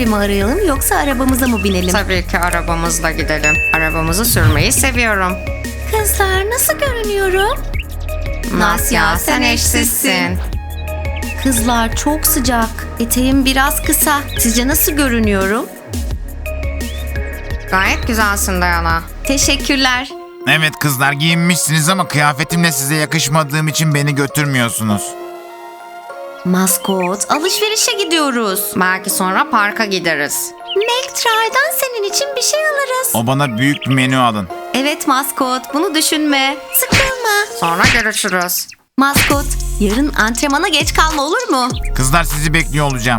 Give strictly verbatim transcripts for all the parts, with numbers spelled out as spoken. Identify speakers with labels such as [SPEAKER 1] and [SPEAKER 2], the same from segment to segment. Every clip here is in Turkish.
[SPEAKER 1] oteli mi arayalım yoksa arabamıza mı binelim?
[SPEAKER 2] Tabii ki arabamızla gidelim. Arabamızı sürmeyi seviyorum.
[SPEAKER 1] Kızlar nasıl görünüyorum?
[SPEAKER 2] Nasya, sen eşsizsin.
[SPEAKER 1] Kızlar çok sıcak. Eteğim biraz kısa. Sizce nasıl görünüyorum?
[SPEAKER 2] Gayet güzelsin Dayana.
[SPEAKER 1] Teşekkürler.
[SPEAKER 3] Evet kızlar, giyinmişsiniz ama kıyafetimle size yakışmadığım için beni götürmüyorsunuz.
[SPEAKER 1] Maskot, alışverişe gidiyoruz.
[SPEAKER 2] Belki sonra parka gideriz.
[SPEAKER 1] Nektar'dan senin için bir şey alırız.
[SPEAKER 3] O bana büyük bir menü alın.
[SPEAKER 1] Evet maskot, bunu düşünme. Sıkılma.
[SPEAKER 2] Sonra görüşürüz.
[SPEAKER 1] Maskot, yarın antrenmana geç kalma olur mu?
[SPEAKER 3] Kızlar, sizi bekliyor olacağım.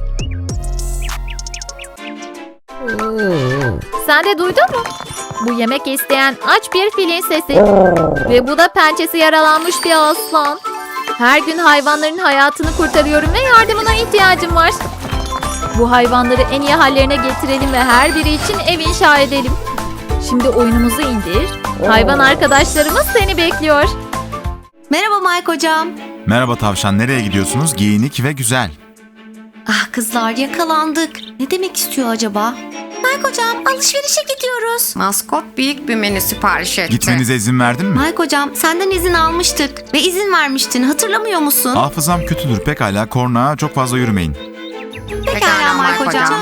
[SPEAKER 4] Sen de duydun mu? Bu yemek isteyen aç bir filin sesi. Ve bu da pençesi yaralanmış bir aslan. Her gün hayvanların hayatını kurtarıyorum ve yardımına ihtiyacım var. Bu hayvanları en iyi hallerine getirelim ve her biri için ev inşa edelim. Şimdi oyunumuzu indir. Hayvan arkadaşlarımız seni bekliyor.
[SPEAKER 1] Merhaba Mike hocam.
[SPEAKER 3] Merhaba tavşan, nereye gidiyorsunuz? Giyinik ve güzel.
[SPEAKER 1] Ah kızlar yakalandık. Ne demek istiyor acaba? Mike hocam alışverişe gidiyoruz.
[SPEAKER 2] Maskot büyük bir menü sipariş etti.
[SPEAKER 3] Gitmenize izin verdin mi?
[SPEAKER 1] Mike hocam senden izin almıştık ve izin vermiştin hatırlamıyor musun?
[SPEAKER 3] Hafızam kötüdür, pekala, korna çok fazla yürümeyin.
[SPEAKER 1] Pekala Mike hocam.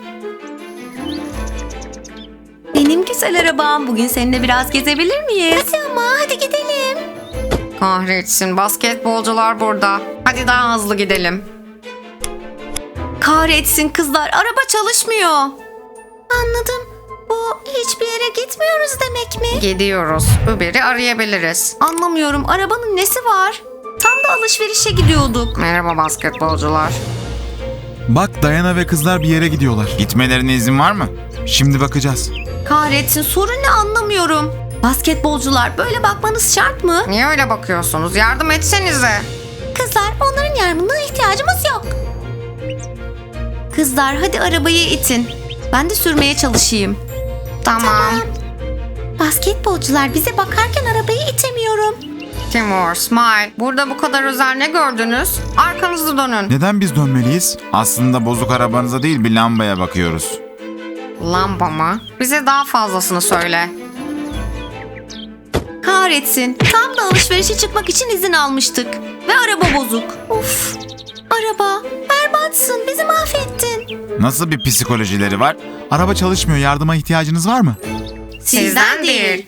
[SPEAKER 1] Benim güzel arabam. Bugün seninle biraz gezebilir miyiz? Hadi ama hadi gidelim.
[SPEAKER 2] Kahretsin, basketbolcular burada. Hadi daha hızlı gidelim.
[SPEAKER 1] Kahretsin kızlar araba çalışmıyor. Anladım. Bu hiçbir yere gitmiyoruz demek mi?
[SPEAKER 2] Gidiyoruz. Uber'i arayabiliriz.
[SPEAKER 1] Anlamıyorum arabanın nesi var? Tam da alışverişe gidiyorduk.
[SPEAKER 2] Merhaba basketbolcular.
[SPEAKER 3] Bak, Dayana ve kızlar bir yere gidiyorlar. Gitmelerine izin var mı? Şimdi bakacağız.
[SPEAKER 1] Kahretsin sorun ne anlamıyorum. Basketbolcular böyle bakmanız şart mı?
[SPEAKER 2] Niye öyle bakıyorsunuz? Yardım etsenize.
[SPEAKER 1] Kızlar onların yardımına ihtiyacımız yok. Kızlar hadi arabayı itin. Ben de sürmeye çalışayım.
[SPEAKER 2] Tamam.
[SPEAKER 1] Basketbolcular bize bakarken arabayı itemiyorum.
[SPEAKER 2] Timur, Smile. Burada bu kadar özel ne gördünüz? Arkanızı dönün.
[SPEAKER 3] Neden biz dönmeliyiz? Aslında bozuk arabanıza değil, bir lambaya bakıyoruz.
[SPEAKER 2] Lamba mı? Bize daha fazlasını söyle.
[SPEAKER 1] Kahretsin. Tam da alışverişe çıkmak için izin almıştık. Ve araba bozuk. Of. Araba. Berbatsın. Bizi mahvettin.
[SPEAKER 3] Nasıl bir psikolojileri var? Araba çalışmıyor, yardıma ihtiyacınız var mı?
[SPEAKER 2] Sizden değil.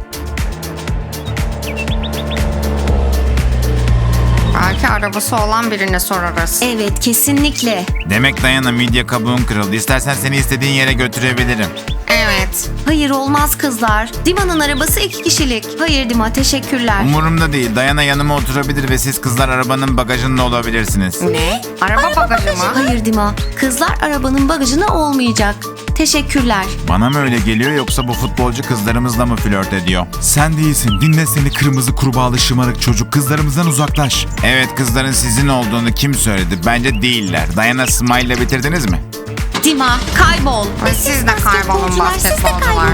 [SPEAKER 2] Belki arabası olan birine sorarız.
[SPEAKER 1] Evet kesinlikle.
[SPEAKER 3] Demek Dayana, midye kabuğun kırıldı. İstersen seni istediğin yere götürebilirim.
[SPEAKER 2] Evet.
[SPEAKER 1] Hayır olmaz kızlar. Dima'nın arabası iki kişilik. Hayır Dima teşekkürler.
[SPEAKER 3] Umurumda değil. Dayana yanıma oturabilir ve siz kızlar arabanın bagajında olabilirsiniz.
[SPEAKER 1] Ne?
[SPEAKER 2] Araba bagajı mı?
[SPEAKER 1] Hayır Dima. Kızlar arabanın bagajına olmayacak. Teşekkürler.
[SPEAKER 3] Bana mı öyle geliyor yoksa bu futbolcu kızlarımızla mı flört ediyor? Sen değilsin. Dinle seni kırmızı kurbağalı şımarık çocuk. Kızlarımızdan uzaklaş. Evet, kızların sizin olduğunu kim söyledi? Bence değiller. Dayana, Smile'la bitirdiniz mi?
[SPEAKER 1] Dima kaybol.
[SPEAKER 2] Ve siz de kaybolun basketbolcular.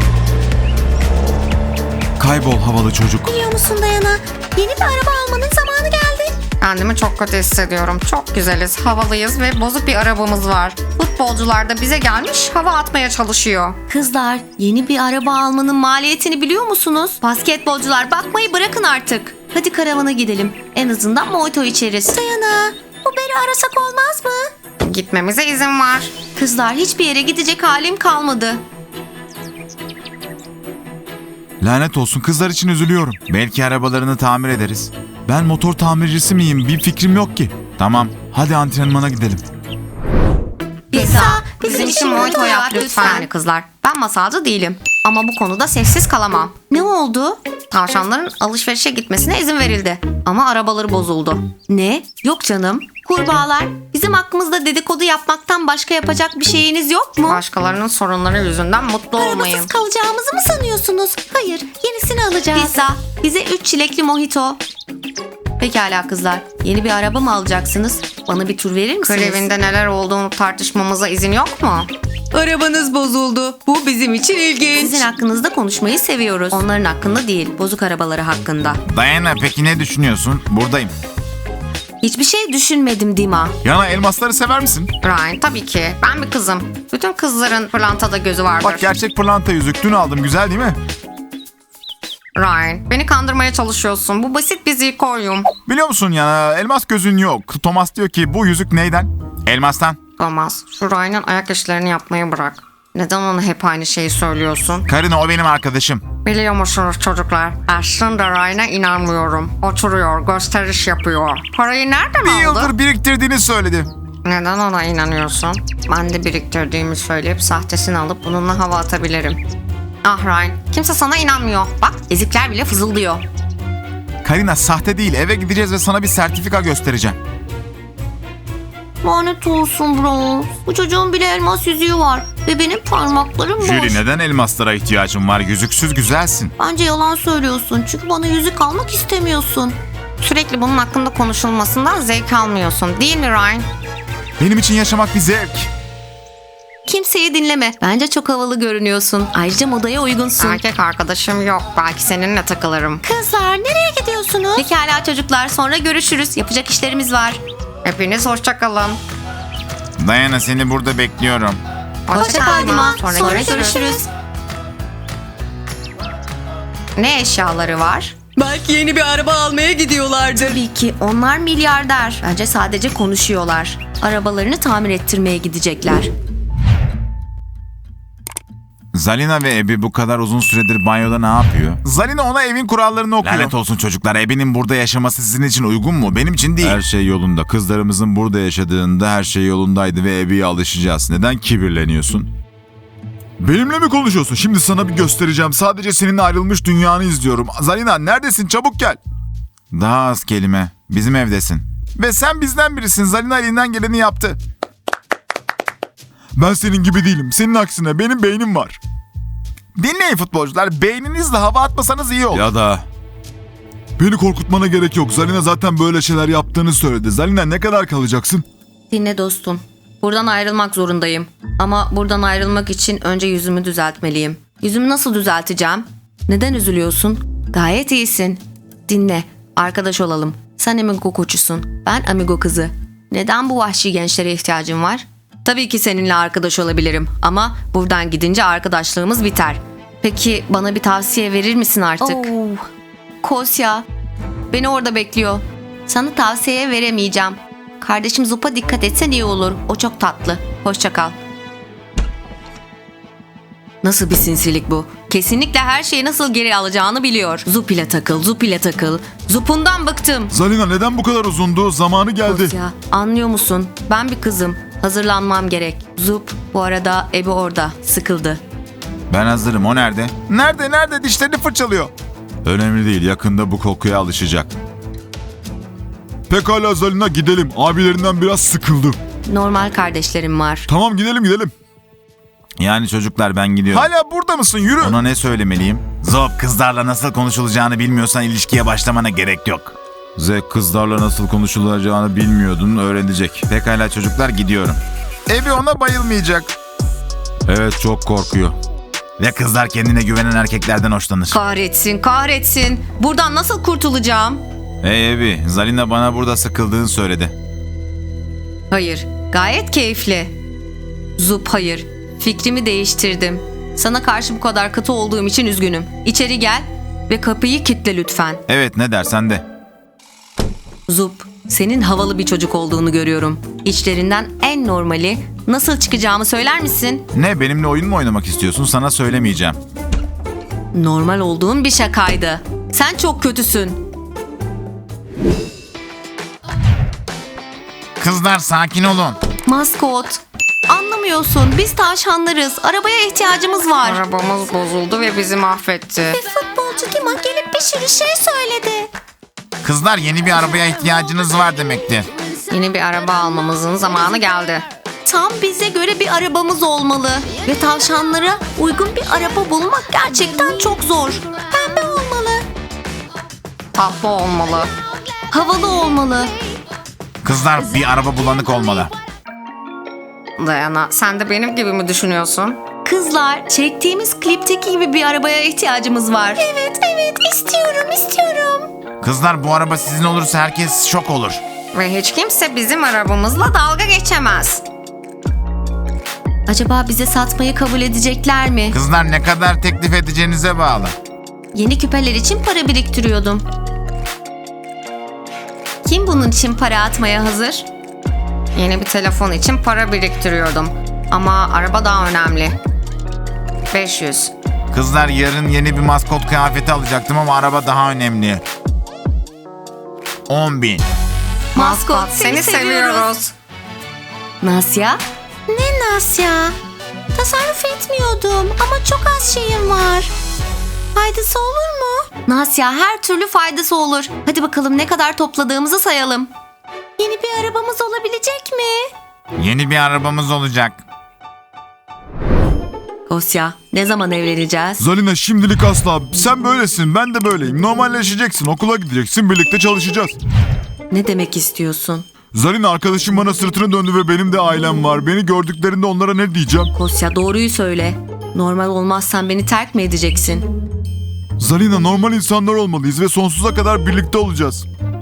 [SPEAKER 3] Kaybol havalı çocuk.
[SPEAKER 1] Biliyor musun Dayana? Yeni bir araba almanın zamanı geldi.
[SPEAKER 2] Kendimi çok kötü hissediyorum. Çok güzeliz, havalıyız ve bozuk bir arabamız var. Futbolcular da bize gelmiş, hava atmaya çalışıyor.
[SPEAKER 1] Kızlar yeni bir araba almanın maliyetini biliyor musunuz? Basketbolcular bakmayı bırakın artık. Hadi karavana gidelim. En azından mojito içeriz. Dayana Uber'i arasak olmaz mı?
[SPEAKER 2] Gitmemize izin var.
[SPEAKER 1] Kızlar hiçbir yere gidecek halim kalmadı.
[SPEAKER 3] Lanet olsun, kızlar için üzülüyorum. Belki arabalarını tamir ederiz. Ben motor tamircisi miyim? Bir fikrim yok ki. Tamam, hadi antrenmana gidelim.
[SPEAKER 1] Pizza
[SPEAKER 2] Bizim için mojito yap lütfen. Yani kızlar, ben masalcı değilim. Ama bu konuda sessiz kalamam.
[SPEAKER 1] Ne oldu?
[SPEAKER 2] Tavşanların alışverişe gitmesine izin verildi. Ama arabaları bozuldu.
[SPEAKER 1] Ne? Yok canım. Kurbağalar bizim hakkımızda dedikodu yapmaktan başka yapacak bir şeyiniz yok mu?
[SPEAKER 2] Başkalarının sorunları yüzünden mutlu olmayın.
[SPEAKER 1] Arabasız kalacağımızı mı sanıyorsunuz? Hayır, yenisini alacağız. Pizza, bize üç çilekli mojito. Pekala kızlar, yeni bir araba mı alacaksınız? Bana bir tur verir misiniz?
[SPEAKER 2] Klevinde neler olduğunu tartışmamıza izin yok mu?
[SPEAKER 1] Arabanız bozuldu. Bu bizim için ilginç. Sizin hakkınızda konuşmayı seviyoruz. Onların hakkında değil, bozuk arabaları hakkında.
[SPEAKER 3] Dayana, peki ne düşünüyorsun? Buradayım.
[SPEAKER 1] Hiçbir şey düşünmedim Dima.
[SPEAKER 3] Yana elmasları sever misin?
[SPEAKER 2] Ryan tabii ki. Ben bir kızım. Bütün kızların pırlantada gözü vardır.
[SPEAKER 3] Bak gerçek pırlanta yüzük. Dün aldım. Güzel değil mi?
[SPEAKER 2] Ryan beni kandırmaya çalışıyorsun. Bu basit bir zirkoryum.
[SPEAKER 3] Biliyor musun Yana elmas gözün yok. Thomas diyor ki bu yüzük neyden? Elmastan.
[SPEAKER 2] Thomas şu Ryan'ın ayak işlerini yapmayı bırak. Neden ona hep aynı şeyi söylüyorsun?
[SPEAKER 3] Karina o benim arkadaşım.
[SPEAKER 2] Biliyor musunuz çocuklar? Aslında Ryan'a inanmıyorum. Oturuyor, gösteriş yapıyor. Parayı nereden
[SPEAKER 3] Bir
[SPEAKER 2] aldı?
[SPEAKER 3] yıldır biriktirdiğini söyledi.
[SPEAKER 2] Neden ona inanıyorsun? Ben de biriktirdiğimi söyleyip sahtesini alıp bununla hava atabilirim. Ah Ryan, kimse sana inanmıyor. Bak ezikler bile fızıldıyor.
[SPEAKER 3] Karina sahte değil, eve gideceğiz ve sana bir sertifika göstereceğim.
[SPEAKER 1] Lanet olsun bro. Bu çocuğun bile elmas yüzüğü var. Ve benim parmaklarım boş.
[SPEAKER 3] Jüri neden elmaslara ihtiyacın var? Yüzüksüz güzelsin.
[SPEAKER 1] Bence yalan söylüyorsun. Çünkü bana yüzük almak istemiyorsun.
[SPEAKER 2] Sürekli bunun hakkında konuşulmasından zevk almıyorsun değil mi Ryan?
[SPEAKER 3] Benim için yaşamak bir zevk.
[SPEAKER 1] Kimseyi dinleme. Bence çok havalı görünüyorsun. Ayrıca modaya uygunsun.
[SPEAKER 2] Erkek arkadaşım yok. Belki seninle takılırım.
[SPEAKER 1] Kızlar nereye gidiyorsunuz? Pekala çocuklar sonra görüşürüz. Yapacak işlerimiz var.
[SPEAKER 2] Hepiniz hoşça kalın.
[SPEAKER 3] Dayana seni burada bekliyorum.
[SPEAKER 1] Hoşça kal Dima.
[SPEAKER 2] Sonra,
[SPEAKER 1] Sonra
[SPEAKER 2] görüşürüz.
[SPEAKER 1] görüşürüz.
[SPEAKER 2] Ne eşyaları var?
[SPEAKER 5] Belki yeni bir araba almaya gidiyorlardır.
[SPEAKER 1] Tabii ki onlar milyarder. Bence sadece konuşuyorlar. Arabalarını tamir ettirmeye gidecekler.
[SPEAKER 3] Zalina ve Ebi bu kadar uzun süredir banyoda ne yapıyor? Zalina ona evin kurallarını okuyor. Lanet olsun çocuklar. Ebi'nin burada yaşaması sizin için uygun mu? Benim için değil. Her şey yolunda. Kızlarımızın burada yaşadığında her şey yolundaydı ve Ebi'ye alışacağız. Neden kibirleniyorsun? Benimle mi konuşuyorsun? Şimdi sana bir göstereceğim. Sadece seninle ayrılmış dünyanı izliyorum. Zalina neredesin? Çabuk gel. Daha az kelime. Bizim evdesin. Ve sen bizden birisin. Zalina elinden geleni yaptı. Ben senin gibi değilim. Senin aksine benim beynim var. Dinleyin futbolcular. Beyninizle hava atmasanız iyi olur. Ya da... Beni korkutmana gerek yok. Zalina zaten böyle şeyler yaptığını söyledi. Zalina ne kadar kalacaksın?
[SPEAKER 1] Dinle dostum. Buradan ayrılmak zorundayım. Ama buradan ayrılmak için önce yüzümü düzeltmeliyim. Yüzümü nasıl düzelteceğim? Neden üzülüyorsun? Gayet iyisin. Dinle. Arkadaş olalım. Sen amigo koçusun. Ben amigo kızı. Neden bu vahşi gençlere ihtiyacın var? Tabii ki seninle arkadaş olabilirim. Ama buradan gidince arkadaşlığımız biter. Peki bana bir tavsiye verir misin artık? Oh, Kosya. Beni orada bekliyor. Sana tavsiye veremeyeceğim. Kardeşim Zup'a dikkat etsen iyi olur. O çok tatlı. Hoşça kal. Nasıl bir sinsilik bu? Kesinlikle her şeyi nasıl geri alacağını biliyor. Zup ile takıl, Zup ile takıl. Zup'undan bıktım.
[SPEAKER 3] Zalina neden bu kadar uzundu? Zamanı geldi.
[SPEAKER 1] Kosya, anlıyor musun? Ben bir kızım. Hazırlanmam gerek. Zup, bu arada Ebi orada. Sıkıldı.
[SPEAKER 3] Ben hazırım. O nerede? Nerede? Nerede? Dişlerini fırçalıyor. Önemli değil. Yakında bu kokuya alışacak. Pekala Zalina gidelim. Abilerinden biraz sıkıldım.
[SPEAKER 1] Normal kardeşlerim var.
[SPEAKER 3] Tamam gidelim gidelim. Yani çocuklar ben gidiyorum. Hala burada mısın? Yürü. Ona ne söylemeliyim? Zop kızlarla nasıl konuşulacağını bilmiyorsan ilişkiye başlamana gerek yok. Zek kızlarla nasıl konuşulacağını bilmiyordun öğrenecek. Pekala çocuklar gidiyorum. Ebi ona bayılmayacak. Evet çok korkuyor. Ve kızlar kendine güvenen erkeklerden hoşlanır.
[SPEAKER 1] Kahretsin, kahretsin. Buradan nasıl kurtulacağım?
[SPEAKER 3] Hey Ebi, Zalina bana burada sıkıldığını söyledi.
[SPEAKER 1] Hayır, gayet keyifli. Zup hayır. Fikrimi değiştirdim. Sana karşı bu kadar katı olduğum için üzgünüm. İçeri gel ve kapıyı kilitle lütfen.
[SPEAKER 3] Evet ne dersen de.
[SPEAKER 1] Zup, senin havalı bir çocuk olduğunu görüyorum. İçlerinden en normali. Nasıl çıkacağımı söyler misin?
[SPEAKER 3] Ne benimle oyun mu oynamak istiyorsun? Sana söylemeyeceğim.
[SPEAKER 1] Normal olduğum bir şakaydı. Sen çok kötüsün.
[SPEAKER 3] Kızlar sakin olun.
[SPEAKER 1] Maskot. Anlamıyorsun. Biz tavşanlarız. Arabaya ihtiyacımız var.
[SPEAKER 2] Arabamız bozuldu ve bizi mahvetti.
[SPEAKER 1] Futbolcu Dima gelip bir sürü şey söyledi.
[SPEAKER 3] Kızlar yeni bir arabaya ihtiyacınız var demektir.
[SPEAKER 2] Yeni bir araba almamızın zamanı geldi.
[SPEAKER 1] Tam bize göre bir arabamız olmalı. Ve tavşanlara uygun bir araba bulmak gerçekten çok zor. Pembe olmalı.
[SPEAKER 2] Tatlı olmalı.
[SPEAKER 1] Havalı olmalı.
[SPEAKER 3] Kızlar bir araba bulanık olmalı.
[SPEAKER 2] Dayana sen de benim gibi mi düşünüyorsun?
[SPEAKER 1] Kızlar, çektiğimiz klipteki gibi bir arabaya ihtiyacımız var. Evet, evet, istiyorum, istiyorum.
[SPEAKER 3] Kızlar bu araba sizin olursa herkes şok olur.
[SPEAKER 2] Ve hiç kimse bizim arabamızla dalga geçemez.
[SPEAKER 1] Acaba bize satmayı kabul edecekler mi?
[SPEAKER 3] Kızlar ne kadar teklif edeceğinize bağlı.
[SPEAKER 1] Yeni küpeler için para biriktiriyordum. Kim bunun için para atmaya hazır?
[SPEAKER 2] Yeni bir telefon için para biriktiriyordum. Ama araba daha önemli. beş yüz.
[SPEAKER 3] Kızlar yarın yeni bir maskot kıyafeti alacaktım ama araba daha önemli. on bin.
[SPEAKER 1] Maskot,
[SPEAKER 2] Seni seviyoruz.
[SPEAKER 1] Nasya? Ne Nasya? Tasarruf etmiyordum ama çok az şeyim var. Faydası olur mu? Nasya, her türlü faydası olur. Hadi bakalım ne kadar topladığımızı sayalım. Yeni bir arabamız olabilecek mi?
[SPEAKER 3] Yeni bir arabamız olacak.
[SPEAKER 1] Kosya, ne zaman evleneceğiz?
[SPEAKER 6] Zalina şimdilik asla. Sen böylesin, ben de böyleyim. Normalleşeceksin, okula gideceksin, birlikte çalışacağız.
[SPEAKER 1] Ne demek istiyorsun?
[SPEAKER 6] Zalina arkadaşım bana sırtını döndü ve benim de ailem var. Beni gördüklerinde onlara ne diyeceğim?
[SPEAKER 1] Kosya, doğruyu söyle. Normal olmazsan beni terk mi edeceksin?
[SPEAKER 6] Zalina normal insanlar olmalıyız ve sonsuza kadar birlikte olacağız.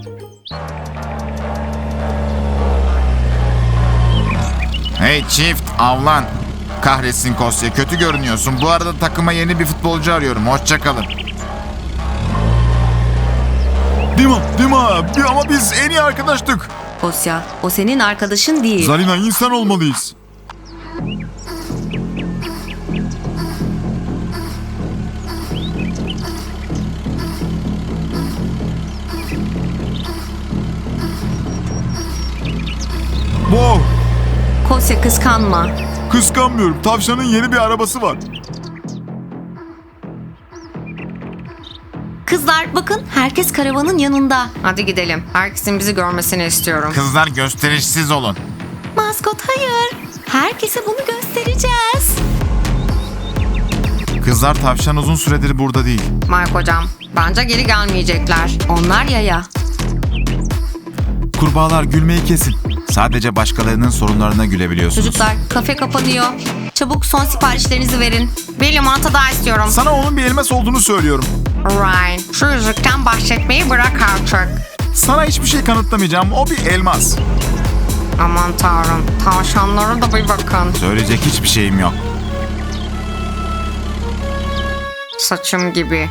[SPEAKER 3] Hey çift, avlan. Kahretsin Kosya, kötü görünüyorsun. Bu arada takıma yeni bir futbolcu arıyorum. Hoşça kalın.
[SPEAKER 6] Dima, Dima. Bir- Ama biz en iyi arkadaştık.
[SPEAKER 1] Kosya, o senin arkadaşın değil.
[SPEAKER 6] Zalina insan olmalıyız. Wow,
[SPEAKER 1] Kosya, kıskanma.
[SPEAKER 6] kıskanmıyorum. Tavşanın yeni bir arabası var.
[SPEAKER 1] Kızlar bakın, herkes karavanın yanında.
[SPEAKER 2] Hadi gidelim. Herkesin bizi görmesini istiyorum.
[SPEAKER 3] Kızlar gösterişsiz olun.
[SPEAKER 1] Maskot, hayır. Herkese bunu göstereceğiz.
[SPEAKER 3] Kızlar tavşan uzun süredir burada değil.
[SPEAKER 2] Mike hocam, bence geri gelmeyecekler.
[SPEAKER 1] Onlar yaya.
[SPEAKER 3] Kurbağalar gülmeyi kesin. Sadece başkalarının sorunlarına gülebiliyorsunuz.
[SPEAKER 1] Çocuklar, kafe kapanıyor. Çabuk son siparişlerinizi verin.
[SPEAKER 2] Bir limonata daha istiyorum.
[SPEAKER 6] Sana onun bir elmas olduğunu söylüyorum.
[SPEAKER 2] Ryan, şu yüzükten bahsetmeyi bırak artık.
[SPEAKER 6] Sana hiçbir şey kanıtlamayacağım. O bir elmas.
[SPEAKER 2] Aman tanrım, tavşanlara da bir bakın.
[SPEAKER 3] Söyleyecek hiçbir şeyim yok.
[SPEAKER 2] Saçım gibi.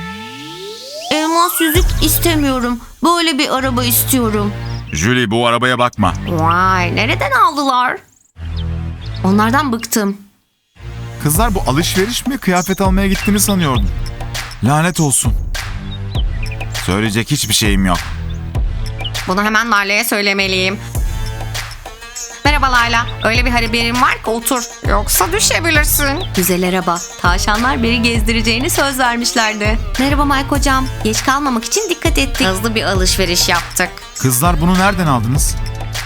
[SPEAKER 1] Elmas yüzük istemiyorum. Böyle bir araba istiyorum.
[SPEAKER 6] Julie bu arabaya bakma.
[SPEAKER 2] Vay, nereden aldılar?
[SPEAKER 1] Onlardan bıktım.
[SPEAKER 6] Kızlar bu alışveriş mi? Kıyafet almaya gittiğini sanıyordum.
[SPEAKER 3] Lanet olsun. Söyleyecek hiçbir şeyim yok.
[SPEAKER 2] Bunu hemen Lale'ye söylemeliyim. Merhaba Layla, öyle bir haberim var ki otur. Yoksa düşebilirsin.
[SPEAKER 1] Güzel araba. Tavşanlar beni gezdireceğini söz vermişlerdi. Merhaba Mike hocam. Geç kalmamak için dikkat ettik.
[SPEAKER 2] Hızlı bir alışveriş yaptık.
[SPEAKER 3] Kızlar bunu nereden aldınız?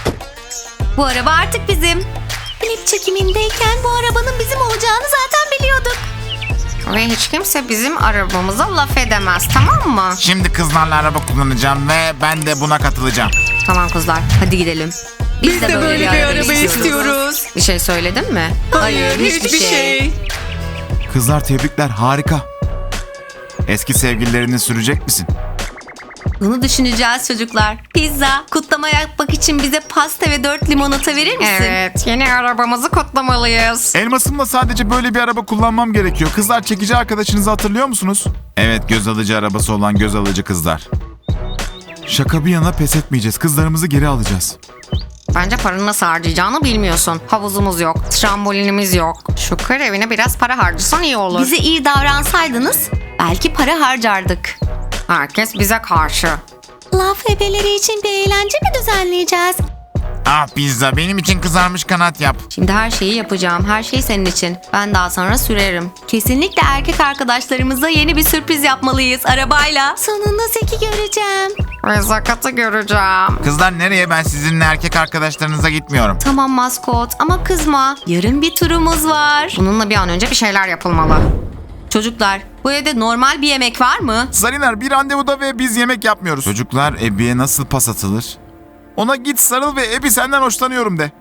[SPEAKER 1] Bu araba artık bizim. Klip çekimindeyken bu arabanın bizim olacağını zaten biliyorduk.
[SPEAKER 2] Ve hiç kimse bizim arabamıza laf edemez, tamam mı?
[SPEAKER 3] Şimdi kızlarla araba kullanacağım ve ben de buna katılacağım.
[SPEAKER 2] Tamam kızlar, hadi gidelim.
[SPEAKER 5] Biz de böyle bir araba istiyoruz.
[SPEAKER 2] Bir şey söyledin mi?
[SPEAKER 5] Hayır, hiçbir şey.
[SPEAKER 3] Kızlar tebrikler, harika. Eski sevgililerini sürecek misin?
[SPEAKER 1] Bunu düşüneceğiz çocuklar. Pizza, kutlama yapmak için bize pasta ve dört limonata verir misin?
[SPEAKER 2] Evet, yeni arabamızı kutlamalıyız.
[SPEAKER 6] Elmasımla sadece böyle bir araba kullanmam gerekiyor. Kızlar çekici arkadaşınızı hatırlıyor musunuz?
[SPEAKER 3] Evet, göz alıcı arabası olan göz alıcı kızlar.
[SPEAKER 6] Şaka bir yana pes etmeyeceğiz. Kızlarımızı geri alacağız.
[SPEAKER 2] Bence paranı nasıl harcayacağını bilmiyorsun. Havuzumuz yok, trambolinimiz yok. Şu kır evine biraz para harcasan iyi olur.
[SPEAKER 1] Bize iyi davransaydınız belki para harcardık.
[SPEAKER 2] Herkes bize karşı.
[SPEAKER 1] Laf ebeleri için bir eğlence mi düzenleyeceğiz?
[SPEAKER 3] Ah pizza, benim için kızarmış kanat yap.
[SPEAKER 1] Şimdi her şeyi yapacağım. Her şey senin için. Ben daha sonra sürerim. Kesinlikle erkek arkadaşlarımıza yeni bir sürpriz yapmalıyız arabayla. Sonunda Zeki göreceğim.
[SPEAKER 2] Ve Zakat'ı göreceğim.
[SPEAKER 3] Kızlar nereye? Ben sizinle erkek arkadaşlarınıza gitmiyorum.
[SPEAKER 1] Tamam maskot ama kızma. Yarın bir turumuz var.
[SPEAKER 2] Bununla bir an önce bir şeyler yapılmalı.
[SPEAKER 1] Çocuklar, bu evde normal bir yemek var mı?
[SPEAKER 6] Zaliner bir randevuda ve biz yemek yapmıyoruz.
[SPEAKER 3] Çocuklar, Ebi'ye nasıl pas atılır?
[SPEAKER 6] Ona git sarıl ve Ebi senden hoşlanıyorum de.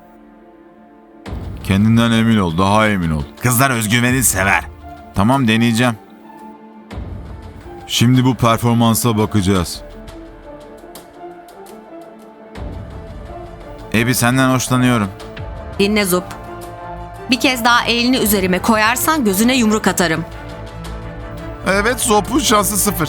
[SPEAKER 3] Kendinden emin ol, daha emin ol. Kızlar özgüveni sever. Tamam, deneyeceğim.
[SPEAKER 6] Şimdi bu performansa bakacağız.
[SPEAKER 3] Ebi senden hoşlanıyorum.
[SPEAKER 2] Dinle Zup. Bir kez daha elini üzerime koyarsan gözüne yumruk atarım.
[SPEAKER 6] Evet, Zop'un şansı sıfır.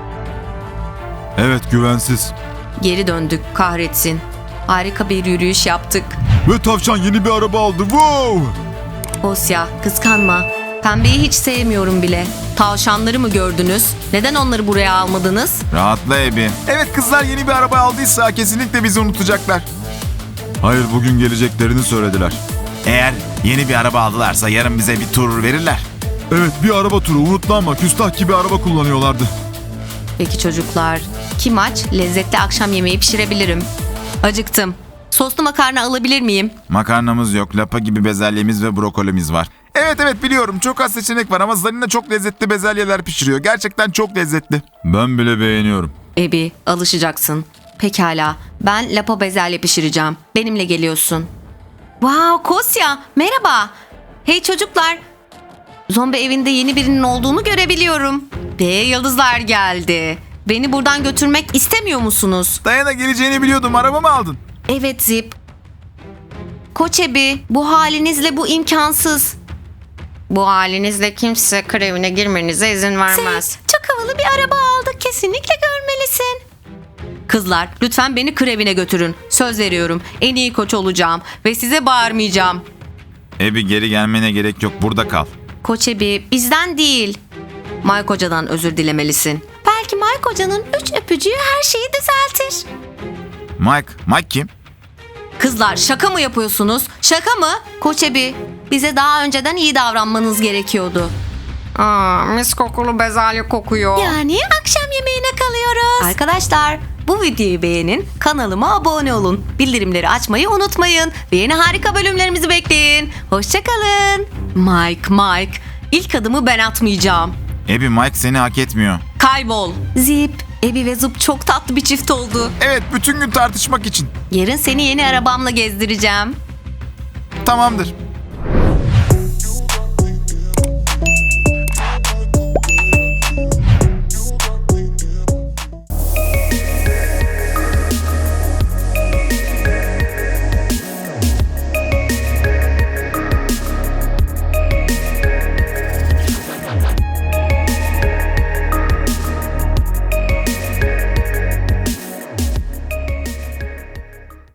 [SPEAKER 6] Evet, güvensiz.
[SPEAKER 2] Geri döndük, kahretsin. Harika bir yürüyüş yaptık.
[SPEAKER 6] Ve tavşan yeni bir araba aldı. Wow!
[SPEAKER 2] Osya, kıskanma. Pembeyi hiç sevmiyorum bile. Tavşanları mı gördünüz? Neden onları buraya almadınız?
[SPEAKER 3] Rahatla Ebi.
[SPEAKER 6] Evet, kızlar yeni bir araba aldıysa kesinlikle bizi unutacaklar. Hayır, bugün geleceklerini söylediler.
[SPEAKER 3] Eğer yeni bir araba aldılarsa yarın bize bir tur verirler.
[SPEAKER 6] Evet, bir araba turu unutlanma. Küstah gibi araba kullanıyorlardı.
[SPEAKER 2] Peki çocuklar, kim aç? Lezzetli akşam yemeği pişirebilirim. Acıktım. Soslu makarna alabilir miyim?
[SPEAKER 3] Makarnamız yok. Lapa gibi bezelyemiz ve brokolimiz var.
[SPEAKER 6] Evet evet biliyorum, çok az seçenek var ama Zarina çok lezzetli bezelyeler pişiriyor. Gerçekten çok lezzetli. Ben bile beğeniyorum.
[SPEAKER 2] Ebi, alışacaksın. Pekala, ben lapa bezelye pişireceğim. Benimle geliyorsun. Wow, Kosya, merhaba. Hey çocuklar. Zombi evinde yeni birinin olduğunu görebiliyorum. Ve yıldızlar geldi. Beni buradan götürmek istemiyor musunuz?
[SPEAKER 6] Dayana geleceğini biliyordum, araba mı aldın?
[SPEAKER 2] Evet Zip. Koç Ebi, bu halinizle bu imkansız. Bu halinizle kimse kır evine girmenize izin vermez.
[SPEAKER 1] Çok havalı bir araba aldık. Kesinlikle görmelisin.
[SPEAKER 2] Kızlar, lütfen beni kır evine götürün. Söz veriyorum, en iyi koç olacağım ve size bağırmayacağım.
[SPEAKER 3] Ebi geri gelmene gerek yok. Burada kal.
[SPEAKER 2] Koç Ebi, bizden değil. Mike Hoca'dan özür dilemelisin.
[SPEAKER 1] Belki Mike Hoca'nın üç öpücüğü her şeyi düzeltir.
[SPEAKER 3] Mike. Mike kim?
[SPEAKER 2] Kızlar, şaka mı yapıyorsunuz? Şaka mı?
[SPEAKER 1] Koç Ebi, bize daha önceden iyi davranmanız gerekiyordu.
[SPEAKER 2] Aa, mis kokulu bezelye kokuyor.
[SPEAKER 1] Yani akşam yemeğine kalıyoruz.
[SPEAKER 2] Arkadaşlar, bu videoyu beğenin, kanalıma abone olun. Bildirimleri açmayı unutmayın. Ve yeni harika bölümlerimizi bekleyin. Hoşçakalın. Mike, Mike. İlk adımı ben atmayacağım.
[SPEAKER 3] Ebi Mike seni hak etmiyor.
[SPEAKER 2] Kaybol. Zip, Ebi ve Zup çok tatlı bir çift oldu.
[SPEAKER 6] Evet, bütün gün tartışmak için.
[SPEAKER 2] Yarın seni yeni arabamla gezdireceğim.
[SPEAKER 6] Tamamdır.